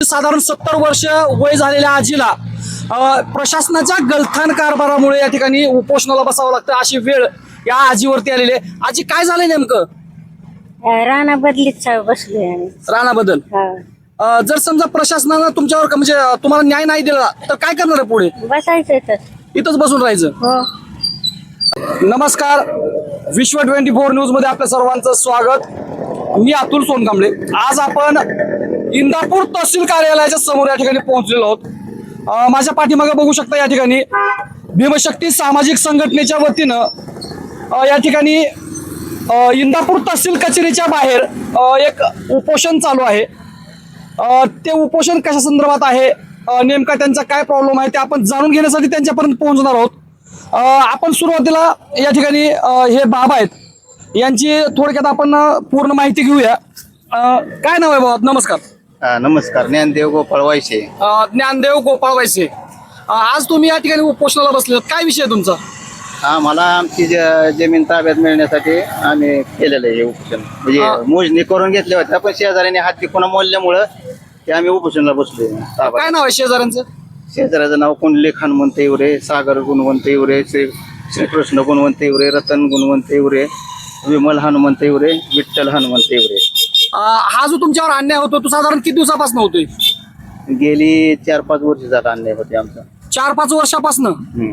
साधारण 70 वर्ष वय झालेल्या आजीला प्रशासनाच्या गलथान कारभारामुळे या ठिकाणी उपोषणाला बसावं लागतं अशी वेळ या आजीवरती आलेली आहे. आजी काय झालंय नेमकं? राणा बदलीत बसलोय आम्ही. राणाबद्दल जर समजा प्रशासनानं तुमच्यावर म्हणजे तुम्हाला न्याय नाही दिला तर काय करणार आहे पुढे? बसायचं तर. इथंच बसून राहायचं? हो. नमस्कार, विश्व 24 न्यूज मध्ये आपल्या सर्वांचं स्वागत. मी अतुल सोनकांबळे. आज आपण इंदापूर तहसील कार्यालयाच्या समोर या ठिकाणी पोहोचलेलो आहोत. माझ्या पाठीमागे बघू शकता या ठिकाणी भीमशक्ती सामाजिक संघटनेच्या वतीनं या ठिकाणी इंदापूर तहसील कचेरीच्या बाहेर एक उपोषण चालू आहे. ते उपोषण कशा संदर्भात आहे, नेमका त्यांचा काय प्रॉब्लेम आहे ते आपण जाणून घेण्यासाठी त्यांच्यापर्यंत पोहोचणार आहोत. आपण सुरुवातीला या ठिकाणी हे बाबा आहेत यांची थोडक्यात आपण पूर्ण माहिती घेऊया. काय नाव आहे बाबा? नमस्कार. नमस्कार. ज्ञानदेव गोपाळ वायशे. ज्ञानदेव गोपाळ वायसे. आज तुम्ही या ठिकाणी उपोषणाला बसले, काय विषय तुमचा? मला आमची जमीन ताब्यात मिळण्यासाठी आम्ही केलेलं आहे हे उपोषण. म्हणजे मोजणी करून घेतल्या होत्या पण शेजाऱ्याने हाती कोणा मोडल्यामुळं ते आम्ही उपोषणाला बसलो. काय नाव आहे शेजाऱ्यांचं? शेजाऱ्याचं नाव कुंडलिक हनुमंत इवरे, सागर गुणवंत इवरे, श्रीकृष्ण गुणवंत इवरे, रतन गुणवंत इवरे, विमल हनुमंत इवरे, विठ्ठल हनुमंत इवरे. हा जो तुमच्यावर अन्याय होतो तो साधारण किती दिवसापासून होतोय? गेली 4-5 वर्ष झाला अन्याय होते आमचा. 4-5 वर्षापासून.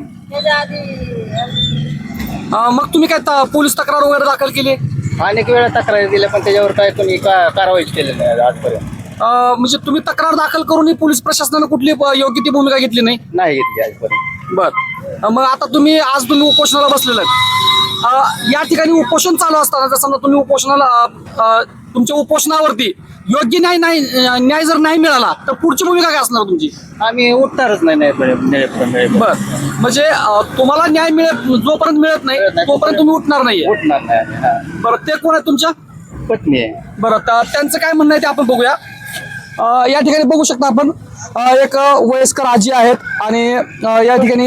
मग तुम्ही काय पोलीस तक्रार वगैरे दाखल केली? अनेक वेळा तक्रारी दिल्या पण त्याच्यावर काय कोणी कारवाई केली नाही आजपर्यंत. म्हणजे तुम्ही तक्रार दाखल करूनही पोलीस प्रशासनाने कुठली योग्य ती भूमिका घेतली नाही? नाही घेतली आजपर्यंत. बर. मग आता आज तुम्ही उपोषणाला बसलेला आहे. या ठिकाणी उपोषण चालू असताना जर समजा तुम्ही उपोषणाला तुमच्या उपोषणावरती योग्य न्याय जर नाही मिळाला तर पुढची भूमिका काय असणार तुमची? आम्ही उठणारच नाही. बर. म्हणजे तुम्हाला न्याय जोपर्यंत मिळत नाही तोपर्यंत तुम्ही उठणार नाहीये? उठणार नाही. बरं. ते कोण आहे तुमच्या? पत्नी आहे. बरं. त्यांचं काय म्हणणं आहे ते आपण बघूया. या ठिकाणी बघू शकता आपण एक वयस्कर आजी आहेत आणि या ठिकाणी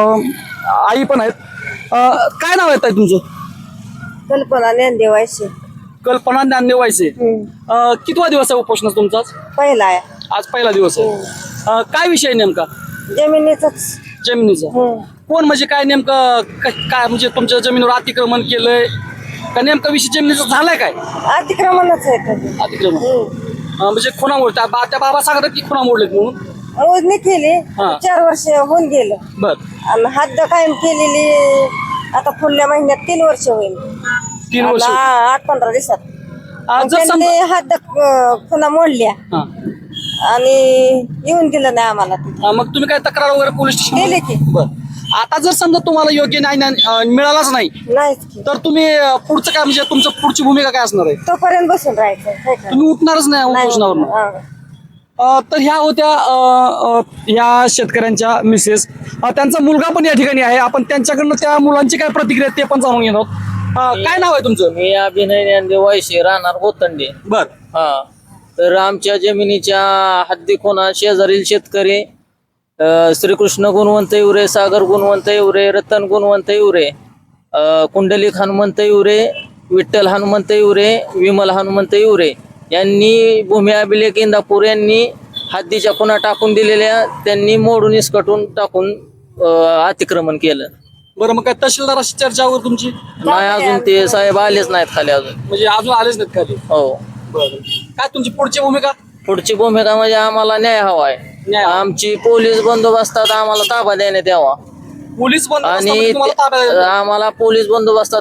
आई पण आहेत. काय नाव आहे ताई तुमचं? कल्पना ज्ञानदेव वायसे. कल्पना ज्ञानदेव वायसे. कितवा दिवस आहे उपोषण तुमचा? पहिला आहे. आज पहिला दिवस आहे. काय विषय नेमका? जमिनीचाच. जमिनीचा. कोण म्हणजे काय नेमकं काय म्हणजे तुमच्या जमिनीवर अतिक्रमण केलंय का नेमका विषय जमिनीचा झालाय काय? अतिक्रमणच आहे. अतिक्रमण म्हणजे खुणा मोड त्या बाबा सांगतात की खुणा मोडलेत म्हणून मोजणी केली. 4 वर्ष होऊन गेलं. बर. आणि हद्द कायम केलेली आता पुढल्या महिन्यात 3 वर्ष होईल. 3 वर्ष. 8-15 दिवसात जर समजा हद्द पुन्हा मोडल्या आणि येऊन दिलं नाही आम्हाला. मग तुम्ही काय तक्रार वगैरे पोलीस स्टेशन केली की. बर. आता जर समजा तुम्हाला योग्य न्याय मिळालाच नाही तर तुम्ही पुढचं काय म्हणजे तुमचं पुढची भूमिका काय असणार आहे? तोपर्यंत बसून राहायचं. तुम्ही उठणारच नाही उपोषणावर? तर ह्या होत्या ह्या शेतकऱ्यांच्या मिसेस. त्यांचा मुलगा पण या ठिकाणी आहे. आपण त्यांच्याकडनं त्या मुलांची काय प्रतिक्रिया ते पण जाणून घेणार आहोत. काय नाव आहे तुमचं? मी अभिनय ज्ञानदेव वायशे, राहणार गोतंडे. बर. तर आमच्या जमिनीच्या हद्दीकोना शेजारील शेतकरी श्रीकृष्ण गुणवंत इवरे, सागर गुणवंत इवरे, रतन गुणवंत इवरे, कुंडलिक हनुमंत इवरे, विठ्ठल हनुमंत इवरे, विमल हनुमंत इवरे यांनी भूमी अभिलेख इंदापूर यांनी हद्दीच्या खुणा टाकून दिलेल्या त्यांनी मोडून इसकटून टाकून अतिक्रमण केलं. बरं. मग काय तहसीलदाराशी चर्चा वगैरे तुमची? नाही, अजून ते साहेब आलेच नाहीत खाली अजून. म्हणजे अजून आलेच नाहीत खाली? हो. बरं. काय तुमची पुढची भूमिका? पुढची भूमिका म्हणजे आम्हाला न्याय हवा आहे. आमची पोलीस बंदोबस्तात आम्हाला ताबा देण्यात यावा. पोलीस आणि आम्हाला पोलीस बंदोबस्तात.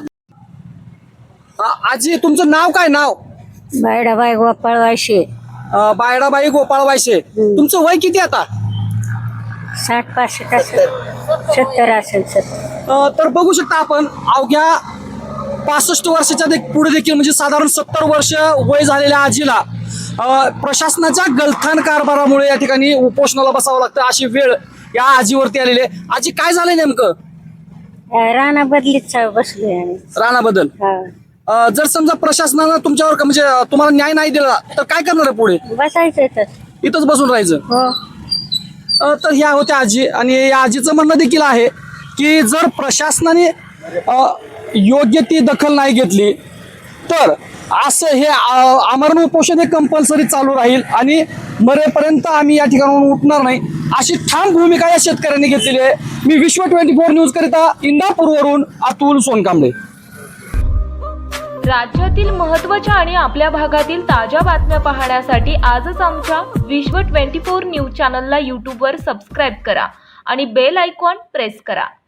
आजी तुमचं नाव काय? नाव? बायडाबाई गोपाळ वायशे. बायडाबाई गोपाळ वायशे. तुमचं वय किती आता? 60-65 असेल. 70 असेल सर. तर बघू शकता आपण अवघ्या 65 वर्षाच्या पुढे देखील म्हणजे साधारण 70 वर्ष वय झालेल्या आजीला प्रशासनाच्या गलथान कारभारामुळे या ठिकाणी उपोषणाला बसावं लागतं अशी वेळ या आजीवरती आलेली आहे. आजी काय झालंय नेमकं? राणा बदलीत बसलोय आम्ही. राणाबद्दल. जर समजा प्रशासनानं तुमच्यावर म्हणजे तुम्हाला न्याय नाही दिला तर काय करणार आहे पुढे? बसायचं तर. इथंच बसून राहायचं? हो. तर ह्या होत्या आजी आणि या आजीचं म्हणणं देखील आहे की जर प्रशासनाने योग्य ती दखल नाही घेतली तर असं हे आमरण उपोषण हे कंपल्सरी चालू राहील आणि मरेपर्यंत आम्ही या ठिकाणाहून उठणार नाही, अशी ठाम भूमिका या शेतकऱ्यांनी घेतलेली आहे. मी विश्व 24 न्यूज करिता इंदापूरवरून अतुल सोनकांबळे. राज्यातील महत्त्वाच्या आणि आपल्या भागातील ताज्या बातम्या पाहण्यासाठी आजच आमच्या विश्व 24 न्यूज चॅनलला यूट्यूबवर सबस्क्राईब करा आणि बेल आयकॉन प्रेस करा.